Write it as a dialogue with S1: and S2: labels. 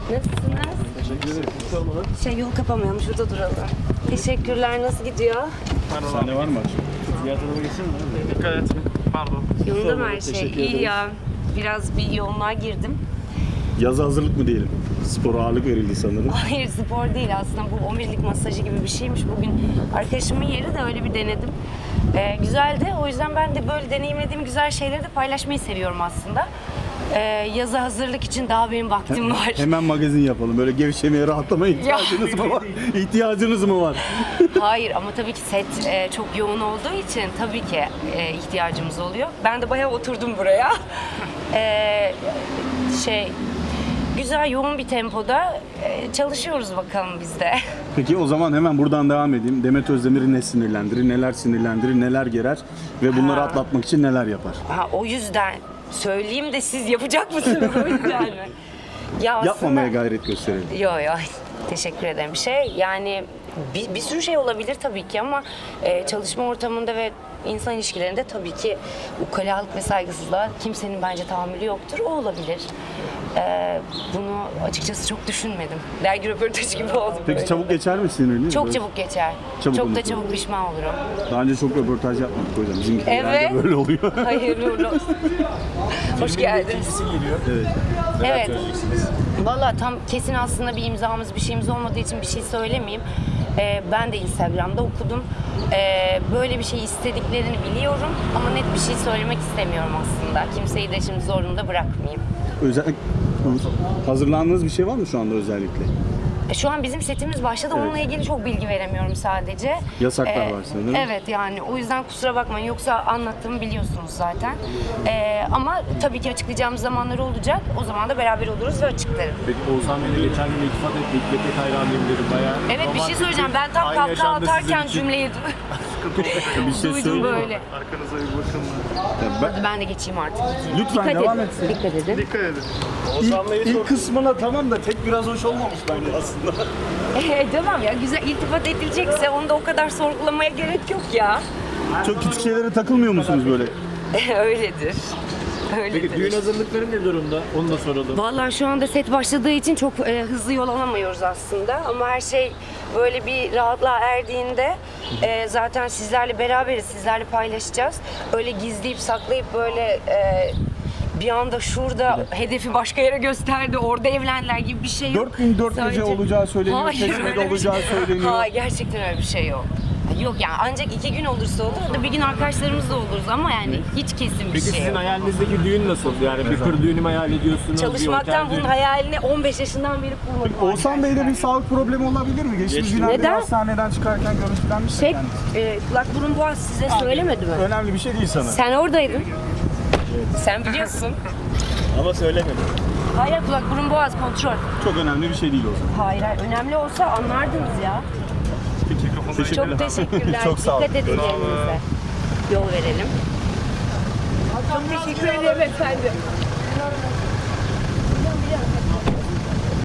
S1: Nasılsınız?
S2: Teşekkür ederim.
S1: Yol kapamıyorum. Şurada duralım. Teşekkürler. Nasıl gidiyor?
S2: Sahne var mı açık? Diğer tarafa geçsene.
S3: Dikkat et. Pardon.
S1: Yolunda mı her şey?
S2: Teşekkür
S1: İyi
S2: ederiz.
S1: ya. Biraz bir yoğunluğa girdim.
S2: Yaza hazırlık mı diyelim? Spora ağırlık verildi sanırım.
S1: Hayır, spor değil aslında. Bu omurilik masajı gibi bir şeymiş. Bugün arkadaşımın yeri de öyle bir denedim. Güzeldi. O yüzden ben de böyle deneyimlediğim güzel şeyleri de paylaşmayı seviyorum aslında. Yaza hazırlık için daha benim vaktim var.
S2: Hemen magazin yapalım. Böyle gevşemeye, rahatlamaya ihtiyacınız mı var? İhtiyacınız mı var?
S1: Hayır ama tabii ki set çok yoğun olduğu için tabii ki ihtiyacımız oluyor. Ben de bayağı oturdum buraya. Güzel yoğun bir tempoda çalışıyoruz bakalım biz de.
S2: Peki o zaman hemen buradan devam edeyim. Demet Özdemir'i ne sinirlendirir, neler sinirlendirir, neler gerer ve bunları atlatmak için neler yapar?
S1: O yüzden söyleyeyim de siz yapacak mısınız o yüzden mi? Ya
S2: Yapmamaya gayret gösterelim.
S1: Yo teşekkür ederim. Yani bir sürü şey olabilir tabii ki ama çalışma ortamında ve insan ilişkilerinde tabii ki ukalalık ve saygısızlığa kimsenin bence tahammülü yoktur. O olabilir. Bunu açıkçası çok düşünmedim. Dergi röportajı gibi oldu
S2: Peki
S1: böyle.
S2: çabuk geçer mi sinirini?
S1: Çok
S2: Böyle
S1: çabuk geçer.
S2: Çabuk
S1: çok da
S2: unuturum.
S1: çabuk pişman olurum.
S2: Daha önce çok röportaj yapmadık hocam. Bizim
S1: Evet.
S2: böyle oluyor.
S1: Hayırlı uğurlu olsun. Hoş geldiniz.
S3: geliyor.
S2: Evet.
S1: Evet. Valla tam kesin aslında bir imzamız, bir şeyimiz olmadığı için bir şey söylemeyeyim. Ben de Instagram'da okudum. Böyle bir şey istediklerini biliyorum ama net bir şey söylemek istemiyorum aslında. Kimseyi de şimdi zorunda bırakmayayım.
S2: Hazırlandığınız bir şey var mı şu anda özellikle?
S1: Şu an bizim setimiz başladı.
S2: Evet.
S1: Onunla ilgili çok bilgi veremiyorum sadece.
S2: Yasaklar var sanırım.
S1: Evet yani o yüzden kusura bakmayın. Yoksa anlattığımı biliyorsunuz zaten. Ama tabii ki açıklayacağımız zamanlar olacak. O zaman da beraber oluruz ve açıklarım.
S3: Peki Oğuzhan Bey'le geçen gün iltifat ettik. Pek hayranıyım dedim bayağı.
S1: Evet bir şey
S3: romantik
S1: söyleyeceğim. Ben tam
S3: aynı
S1: kahkaha
S3: yaşamda
S1: atarken
S3: sizin için.
S1: cümleyi
S2: Bir şey
S1: duydum
S2: söyleyeyim mi?
S1: böyle.
S3: Arkanıza bir bakın.
S1: Hadi ben de geçeyim artık. Gideyim.
S2: Lütfen
S1: Dikkat
S2: devam
S1: edin.
S2: etsin.
S1: Dikkat edin.
S3: Dikkat edin. Oğuzhan Bey'i
S2: İlk kısmına tamam da tek biraz hoş olmamış bence aslında.
S1: Tamam ya güzel iltifat edilecekse onu da o kadar sorgulamaya gerek yok ya.
S2: Çok küçük şeylere takılmıyor musunuz böyle?
S1: Öyledir.
S3: Peki düğün hazırlıkları ne durumda? Onu da soralım.
S1: Vallahi şu anda set başladığı için çok hızlı yol alamıyoruz aslında ama her şey böyle bir rahatlığa erdiğinde zaten sizlerle beraberiz, sizlerle paylaşacağız. Öyle gizleyip saklayıp böyle bir anda şurada hedefi başka yere gösterdi, orada evlendiler gibi bir şey yok.
S2: 4004 gece
S1: Sadece-
S2: olacağı söyleniyor,
S1: Hayır,
S2: Çeşme'de
S1: öyle bir
S2: olacağı
S1: şey-
S2: söyleniyor.
S1: Hayır, gerçekten öyle bir şey yok. Yok yani ancak 2 gün olursa olur, o da bir gün arkadaşlarımızla oluruz ama yani hiç kesin bir
S3: Peki
S1: şey
S3: sizin
S1: yok.
S3: hayalinizdeki düğün nasıl? Yani bir kır düğünü mü hayal ediyorsunuz?
S1: Çalışmaktan
S3: bir
S1: bunun
S3: otel
S1: hayalini 15 yaşından beri kurmadım.
S2: Oğuzhan Bey'de
S1: arkadaşlar.
S2: bir sağlık problemi olabilir mi? Geçtiğimiz günlerde
S1: Neden?
S2: hastaneden çıkarken görüntülenmiş
S1: Şey,
S2: kendisi.
S1: kulak burun boğaz size söylemedi mi?
S2: Önemli bir şey değil sana.
S1: Sen oradaydın. Sen biliyorsun.
S3: Ama söylemedim.
S1: Hayır kulak burun boğaz kontrol.
S2: Çok önemli bir şey değil o zaman.
S1: Hayır önemli olsa anlardınız ya.
S2: Teşekkürler.
S1: Çok teşekkürler.
S2: Çok sağ olun.
S1: Dikkat edin kendinize. Yol verelim. Çok teşekkür ederim efendim.